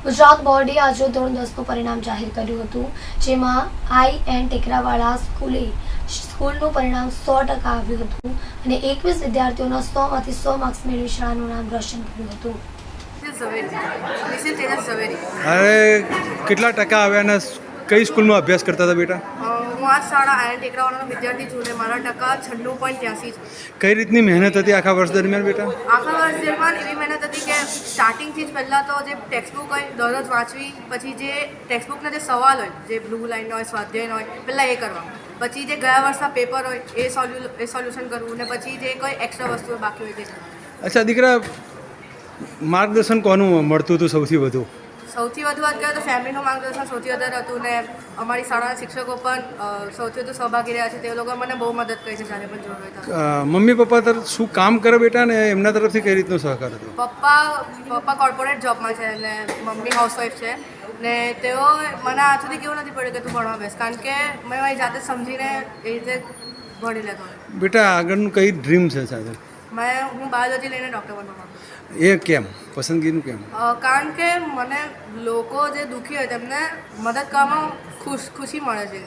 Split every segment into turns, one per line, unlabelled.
ગુજરાત બોર્ડે આજે ધોરણ 10નું પરિણામ જાહેર કર્યું હતું, જેમાં IN ટેકરાવાળા સ્કૂલનું પરિણામ 100% આવ્યું હતું અને 21 વિદ્યાર્થીઓના 100માંથી 100 માર્ક્સ મેળવી શાળાનું નામ રોશન કર્યું હતું.
અરે કેટલા ટકા આવ્યા અને કઈ સ્કૂલમાં અભ્યાસ કરતા હતા બેટા?
હું આ શાળા IN ટેકરાવાળાનો વિદ્યાર્થી છું ને મારા ટકા 96.83 છે.
કઈ રીતની મહેનત હતી આખા વર્ષ દરમિયાન બેટા?
આખા વર્ષ દરમિયાન એવી મહેનત હતી કે સ્ટાર્ટિંગથી જ પહેલાં તો જે ટેક્સ્ટબુક હોય દરરોજ વાંચવી, પછી જે ટેક્સ્ટબુકના જે સવાલ હોય, જે બ્લુ લાઇન હોય, સ્વાધ્યાય હોય, પહેલાં એ કરવા, પછી જે ગયા વર્ષના પેપર હોય એ સોલ્યુશન કરવું, ને પછી જે કોઈ એક્સ્ટ્રા વસ્તુઓ બાકી હોય તે.
અચ્છા દીકરા, માર્ગદર્શન કોનું મળતું હતું સૌથી વધુ?
સૌથી વધુ વાત કરીએ તો ફેમિલીનું માર્ગદર્શન સૌથી વધારે હતું, ને અમારી શાળાના શિક્ષકો પણ સૌથી વધુ સહભાગી રહ્યા છે. તે લોકો મને બહુ મદદ કરી છે જ્યારે પણ જરૂર હોય.
મમ્મી પપ્પા તરફ શું કામ કરે બેટા, ને એમના તરફથી કઈ રીતનો સહકાર હતો?
પપ્પા કોર્પોરેટ જોબમાં છે અને મમ્મી હાઉસવાઈફ છે, ને તેઓ મને આજ સુધી કેવું નથી પડ્યું કે તું ભણવા બેસ, કારણ કે મેં મારી જાતે સમજીને એ રીતે ભણી લેતો.
બેટા આગળનું કઈ ડ્રીમ છે સાથે?
હું બાયોલોજી લઈને ડૉક્ટર બનવા માંગુ છું.
એ કેમ? પસંદગીનું કેમ?
કારણ કે મને લોકો જે દુઃખી હોય તેમને મદદ કરવામાં ખુશી મળે છે.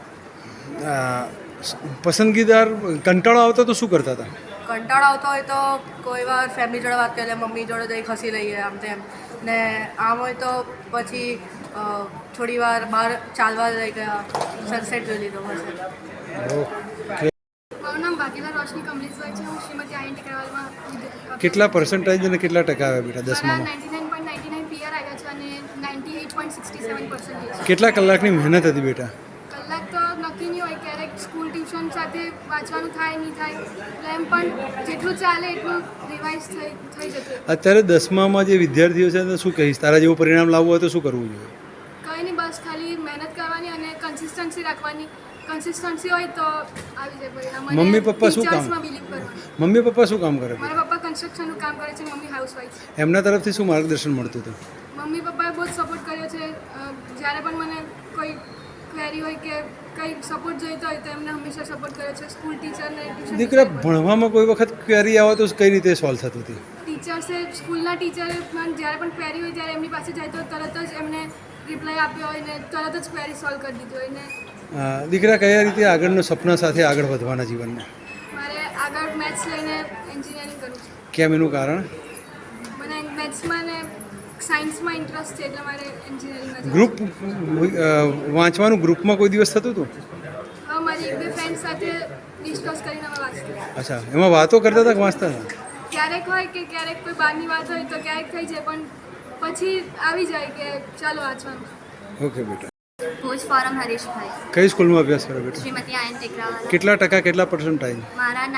પસંદગીદાર કંટાળો આવતો તો શું કરતા હતા?
કંટાળો આવતો હોય તો કોઈ વાર ફેમિલી જોડે વાત કરી લે, મમ્મી જોડે જઈ ખસી લઈએ આમ તેમ, ને આમ હોય તો પછી થોડી વાર બહાર ચાલવા લઈ ગયા, સનસેટ જોઈ લીધો હશે.
મારું નામ ભાગીલા રોશની કમલેશભાઈ છે. હું શ્રીમતી IN ટેકરાવાળામાં
કેટલા પર્સન્ટેજ અને કેટલા ટકા આવ્યા બેટા 10માં?
99.99 PR આવ્યા છે અને 98.67%.
કેટલા કલાકની મહેનત હતી બેટા?
કલાક તો નક્કી નહીં હોય, ક્યારેક સ્કૂલ ટ્યુશન સાથે વાંચવાનું થાય નહીં થાય, એટલે એમ પણ જેટલું ચાલે એટલું રિવાઇઝ થઈ જતું.
અત્યારે 10માં જે વિદ્યાર્થીઓ છે તો શું કહીશ? તારા જેવું પરિણામ લાવવું હોય તો શું કરવું જોઈએ?
કંઈ નહીં, બસ ખાલી મહેનત કરવાની અને કન્સિસ્ટન્સી રાખવાની. કન્સિસ્ટન્સી હોય તો આવી જાય પરિણામ.
મમ્મી પપ્પા શું કામ?
ટીચર્સમાં બિલીવ કરવાનું.
મમ્મી પપ્પા શું કામ કરે?
મારા પપ્પા કન્સ્ટ્રક્શનનું કામ કરે છે, મમ્મી હાઉસવાઈફ.
એમના તરફથી શું માર્ગદર્શન મળતું હતું?
મમ્મી પપ્પાએ બહુ જ સપોર્ટ કર્યો છે. જ્યારે પણ મને કોઈ ક્વેરી હોય કે કંઈ સપોર્ટ જોઈતો હોય તો એમને હંમેશા સપોર્ટ કર્યો છે. સ્કૂલ ટીચરને
દીકરા, ભણવામાં કોઈ વખત ક્વેરી આવે તો કઈ રીતે સોલ્વ થતી હતી?
ટીચર્સે, સ્કૂલના ટીચરે જ્યારે પણ ક્વેરી હોય ત્યારે એમની પાસે જાય તો તરત જ એમને રિપ્લાય આપ્યો હોય ને તરત જ ક્વેરી સોલ્વ કરી દીધી હોય ને.
દીકરા, કયા રીતે આગળના સપના સાથે આગળ વધવાના જીવનમાં?
મારે આગળ મેથ્સ લઈને એન્જિનિયરિંગ કરવું છે.
કેમ, એનું કારણ?
મને મેથ્સમાં ને સાયન્સમાં ઇન્ટરેસ્ટ છે એટલે મારે એન્જિનિયરિંગમાં
ગ્રુપ વાંચવાનું ગ્રુપમાં કોઈ દિવસ થતું હતું?
હા, મારી એક બે ફ્રેન્ડ સાથે ડિસ્કસ કરીને અમે વાંચતી.
અચ્છા, એમાં વાતો કરતા હતા કે વાંચતા હતા?
ક્યારેક હોય કે ક્યારેક કોઈ બહારની વાત હોય તો ક્યારેક થઈ જાય, પણ પછી આવી જાય કે ચાલો વાંચવાનું.
ઓકે બેટા.
ભુજ ફોરમ હરીશભાઈ.
કઈ સ્કૂલમાં અભ્યાસ કરો બેટા?
શ્રીમતી IN ટેકરાવાળા.
કેટલા ટકા, કેટલા પર્સન્ટાઇલ?
મારા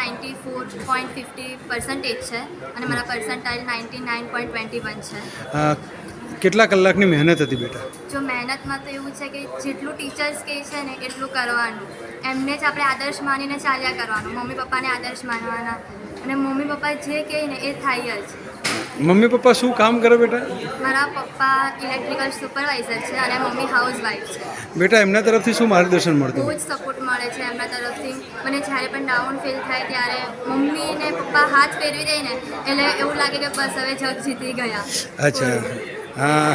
94.50% છે અને મારા પર્સન્ટાઇલ 99.21 છે.
કેટલા કલાકની મહેનત હતી બેટા?
જો મહેનતમાં તો એવું છે કે જેટલું ટીચર્સ કહે છે ને એટલું કરવાનું. એમને જ આપણે આદર્શ માનીને ચાલ્યા કરવાનું. મમ્મી પપ્પાને આદર્શ માનવાના અને મમ્મી પપ્પા જે કહે ને એ થાય જ.
મમ્મી પપ્પા શું કામ કરે બેટા?
મારા પપ્પા ઇલેક્ટ્રિકલ સુપરવાઇઝર છે અને મમ્મી હાઉસવાઈફ છે.
બેટા, એમના તરફથી શું માર્ગદર્શન
બહુ
મળતું?
જ સપોર્ટ મળે છે એમના તરફથી. મને જ્યારે પણ ડાઉન ફીલ થાય ત્યારે મમ્મી ને પપ્પા હાથ ફેરવી દે ને એટલે એવું લાગે કે બસ હવે જગ જીતી ગયા.
અચ્છા, હા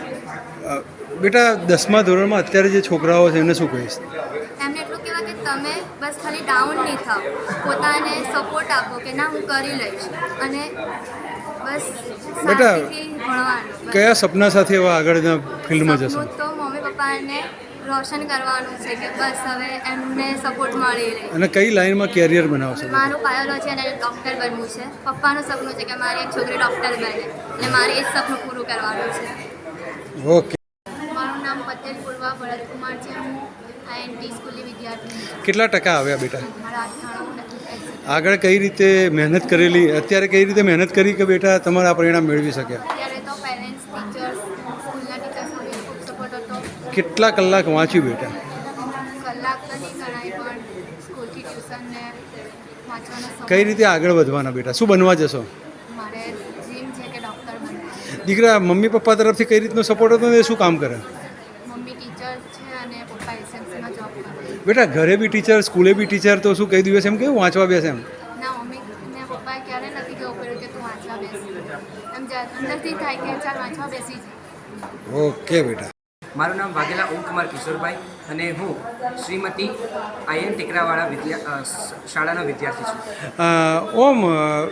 બેટા, 10મા ધોરણમાં અત્યારે જે છોકરાઓ છે એને શું કહીશ?
એમને એટલું કહેવાય કે તમે બસ ખાલી ડાઉન નહીં થાવ, પોતાને સપોર્ટ આપો કે ના હું કરી લઈશ અને બસ શાંતિથી ભણવાનું.
કયા સપના સાથે એવા આગળના ફિલ્ડમાં જશો?
સપનું તો મમ્મી પપ્પાને રોશન કરવાનું છે કે બસ હવે એમને સપોર્ટ મળી રહે.
અને કઈ લાઈનમાં કેરિયર બનાવશો?
મારું બાયોલોજી અને ડૉક્ટર બનવું છે. પપ્પાનું સપનું છે કે મારી એક છોકરી ડૉક્ટર બને અને મારે એ જ સપનું પૂરું કરવાનું છે.
ઓકે.
મારું નામ પટેલ પૂર્વા ભરતકુમાર છે. હું INT સ્કૂલની વિદ્યાર્થી છું.
કેટલા ટકા આવ્યા બેટા?
મારા 98.
આગળ કઈ રીતે મહેનત કરેલી, અત્યારે કઈ રીતે મહેનત કરી કે બેટા તમારા પરિણામ મેળવી શક્યા?
અત્યારે તો પેરેન્ટ્સ, ટીચર્સ, સ્કૂલના ટીચર્સનો બી ખૂબ સપોર્ટ હતો.
કેટલા કલાક વાંચ્યું બેટા?
કલાક તો નહીં ગણાય, પણ સ્કૂલથી ટ્યુશન ને વાંચવાનો સમય.
કઈ રીતે આગળ વધવાના બેટા? શું બનવા જશો?
મારે ડ્રીમ છે કે ડૉક્ટર બનવું.
દીકરા, મમ્મી પપ્પા તરફથી કઈ રીતનો સપોર્ટ હતો ને એ શું કામ કરે?
મમ્મી ટીચર છે અને પપ્પા એસએમસીમાં જોબ કરે.
બેટા, ઘરે બી ટીચર, સ્કૂલે બી ટીચર, તો શું કઈ દિવસ એમ કેવું વાંચવા બેસે એમ?
ના, મમ્મી ને પપ્પાએ ક્યારે નથી કહેવું પડ્યું કે તું વાંચવા બેસ. એમ અંદરથી થાય કે ચાલ વાંચવા બેસી જાય.
ઓકે બેટા.
મારું નામ વાઘેલા ઓમકુમાર કિશોરભાઈ અને હું શ્રીમતી આઈએન ટેકરાવાળા શાળાનો વિદ્યાર્થી છું.
ઓમ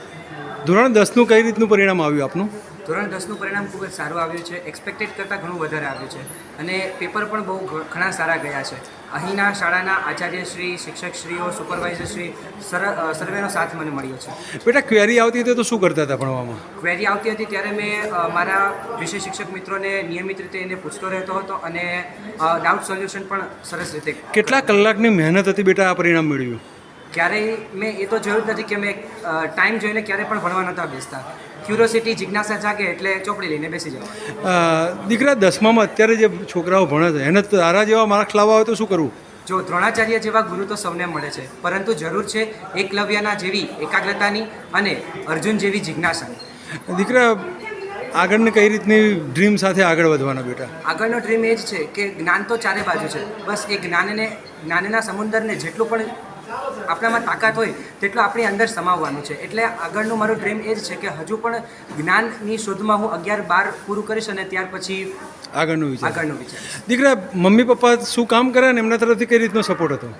ધોરણ 10નું કઈ રીતનું પરિણામ આવ્યું આપનું?
ધોરણ 10નું પરિણામ ખૂબ જ સારું આવ્યું છે. એક્સપેક્ટેડ કરતાં ઘણું વધારે આવ્યું છે અને પેપર પણ બહુ ઘણા સારા ગયા છે. અહીંના શાળાના આચાર્યશ્રી, શિક્ષકશ્રીઓ, સુપરવાઇઝરશ્રી સર્વેનો સાથ મને મળ્યો છે.
બેટા ક્વેરી આવતી હતી તો શું કરતા હતા ભણવામાં?
ક્વેરી આવતી હતી ત્યારે મેં મારા વિષય શિક્ષક મિત્રોને નિયમિત રીતે એને પૂછતો રહેતો હતો અને ડાઉટ સોલ્યુશન પણ સરસ રીતે.
કેટલા કલાકની મહેનત હતી બેટા આ પરિણામ મેળવ્યું?
ક્યારેય મેં એ તો જોયું જ નથી કે મેં ટાઈમ જોઈને ક્યારેય પણ ભણવા નહોતા બેસતા. ક્યુરોસિટી, જિજ્ઞાસા જાગે એટલે ચોપડી લઈને બેસી જાવ.
દીકરા 10મામાં અત્યારે જે છોકરાઓ ભણે છે એને તારા જેવા માર્ક્સ લાવવા હોય તો શું કરવું?
જો દ્રોણાચાર્ય જેવા ગુરુ તો સૌને મળે છે, પરંતુ જરૂર છે એકલવ્યના જેવી એકાગ્રતાની અને અર્જુન જેવી જિજ્ઞાસાની.
દીકરા આગળની કઈ રીતની ડ્રીમ સાથે આગળ વધવાના બેટા?
આગળનો ડ્રીમ એ જ છે કે જ્ઞાન તો ચારે બાજુ છે, બસ એ જ્ઞાનના સમુદ્રને જેટલું પણ આપણામાં તાકાત હોય તેટલું આપણી અંદર સમાવવાનું છે. એટલે આગળનું મારું ડ્રીમ એ જ છે કે હજુ પણ જ્ઞાનની શોધમાં હું 11-12 પૂરું કરીશ અને ત્યાર પછી
આગળનું વિચાર.
વિચાર.
દીકરા મમ્મી પપ્પા શું કામ કરે અને એમના તરફથી કઈ રીતનો સપોર્ટ હતો?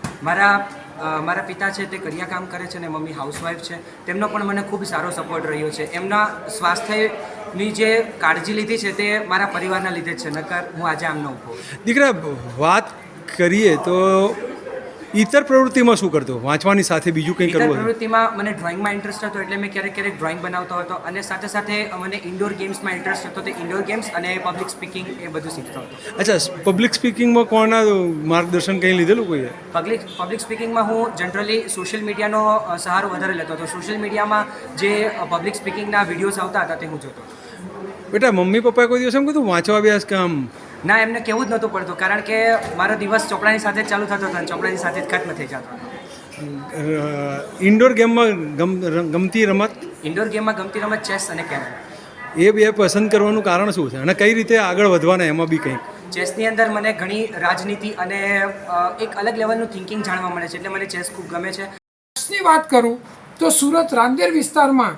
મારા પિતા છે તે કડિયા કામ કરે છે અને મમ્મી હાઉસવાઈફ છે. તેમનો પણ મને ખૂબ સારો સપોર્ટ રહ્યો છે. એમના સ્વાસ્થ્યની જે કાળજી લીધી છે તે મારા પરિવારના લીધે જ છે, નકર હું આજે આમ ન ઊભો.
દીકરા વાત કરીએ તો ઇતર પ્રવૃત્તિમાં શું કરતો? વાંચવાની સાથે બીજું કંઈ
ઇતર
કરવું?
પ્રવૃત્તિમાં મને ડ્રોઈંગમાં ઇન્ટરેસ્ટ હતો એટલે મેં ક્યારેક ડ્રોઈંગ બનાવતો હતો અને સાથે સાથે મને ઇન્ડોર ગેમ્સમાં ઇન્ટરેસ્ટ હતો. તે ઇન્ડોર ગેમ્સ અને પબ્લિક સ્પીકિંગ એ બધું શીખતો હતો.
અચ્છા, પબ્લિક સ્પીકિંગમાં કોના માર્ગદર્શન કંઈ લીધેલું કોઈએ?
પબ્લિક સ્પીકિંગમાં હું જનરલી સોશિયલ મીડિયાનો સહારો વધારે લેતો હતો. સોશિયલ મીડિયામાં જે પબ્લિક સ્પીકિંગના વિડીયોઝ આવતા હતા તે હું જોતો.
બેટા મમ્મી પપ્પાએ કોઈ દિવસ એમ કીધું વાંચવા અભ્યાસ કે આમ?
ના, એમને કેવું જ નહોતું પડતું, કારણ કે મારો દિવસ ચોપડાની સાથે જ ચાલુ થતો હતો અને ચોપડાની સાથે જ ખત્મ થઈ જતો.
ઇન્ડોર ગેમમાં ગમતી રમત?
ઇન્ડોર ગેમમાં ગમતી રમત ચેસ અને કેરમ.
એ બે પસંદ કરવાનું કારણ શું છે અને કઈ રીતે આગળ વધવાના એમાં બી કંઈક?
ચેસની અંદર મને ઘણી રાજનીતિ અને એક અલગ લેવલનું થિંકિંગ જાણવા મળે છે, એટલે મને ચેસ ખૂબ ગમે છે.
ની વાત કરું તો સુરત રાંદેર વિસ્તારમાં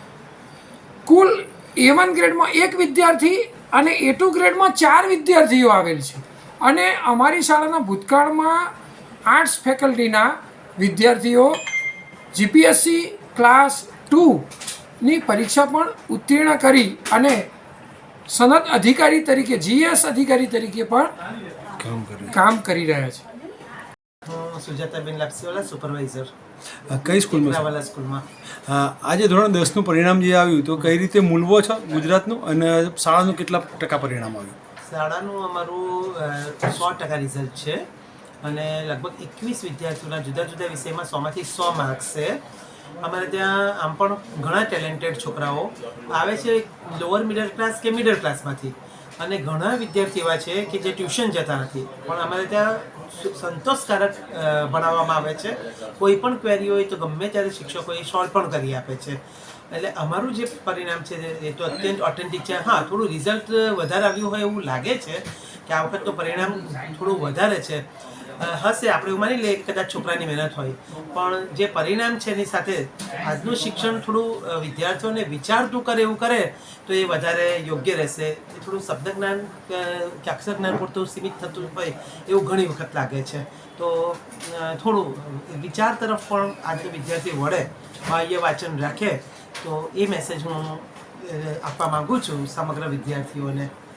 કુલ A1 ગ્રેડમાં 1 વિદ્યાર્થી અને A2 ગ્રેડમાં 4 વિદ્યાર્થીઓ આવેલ છે. અને અમારી શાળાના ભૂતકાળમાં આર્ટ્સ ફેકલ્ટીના વિદ્યાર્થીઓ GPSC ક્લાસ 2ની પરીક્ષા પણ ઉત્તીર્ણ કરી અને સનદ અધિકારી તરીકે GS અધિકારી તરીકે પણ કામ કરી રહ્યા છે.
સુજાતાબેન લાપસીવાલા, સુપરવાઇઝર,
કઈ સ્કૂલમાં?
ટેકરાવાલા સ્કૂલમાં.
આજે ધોરણ 10નું પરિણામ જે આવ્યું તો કઈ રીતે મૂલવો છો ગુજરાતનું અને શાળાનું કેટલા ટકા પરિણામ આવ્યું?
શાળાનું અમારું 100% રિઝલ્ટ છે અને લગભગ 21 વિદ્યાર્થીઓના જુદા જુદા વિષયમાં 100માંથી 100 માર્ક્સ છે. અમારે ત્યાં આમ પણ ઘણા ટેલેન્ટેડ છોકરાઓ આવે છે લોઅર મિડલ ક્લાસ કે મિડલ ક્લાસમાંથી, અને ઘણા વિદ્યાર્થી એવા છે કે જે ટ્યુશન જતા નથી, પણ અમારે ત્યાં સંતોષકારક ભણાવવામાં આવે છે. કોઈ પણ ક્વેરી હોય તો ગમે ત્યારે શિક્ષકો એ સોલ્વ પણ કરી આપે છે. એટલે અમારું જે પરિણામ છે એ તો અત્યંત ઓથેન્ટિક છે. હા, થોડું રિઝલ્ટ વધારે આવ્યું હોય એવું લાગે છે કે આ વખતનું પરિણામ થોડું વધારે છે. હશે, આપણે એવું માની લઈએ કદાચ છોકરાની મહેનત હોય, પણ જે પરિણામ છે એની સાથે આજનું શિક્ષણ થોડું વિદ્યાર્થીઓને વિચારતું કરે એવું કરે તો એ વધારે યોગ્ય રહેશે. એ થોડું શબ્દ જ્ઞાન કે અક્ષર જ્ઞાન પૂરતું સીમિત થતું હોય એવું ઘણી વખત લાગે છે. તો થોડું વિચાર તરફ પણ આજનો વિદ્યાર્થી વળે, બાહ્ય વાંચન રાખે, તો એ મેસેજ હું આપવા માગું છું સમગ્ર વિદ્યાર્થીઓને.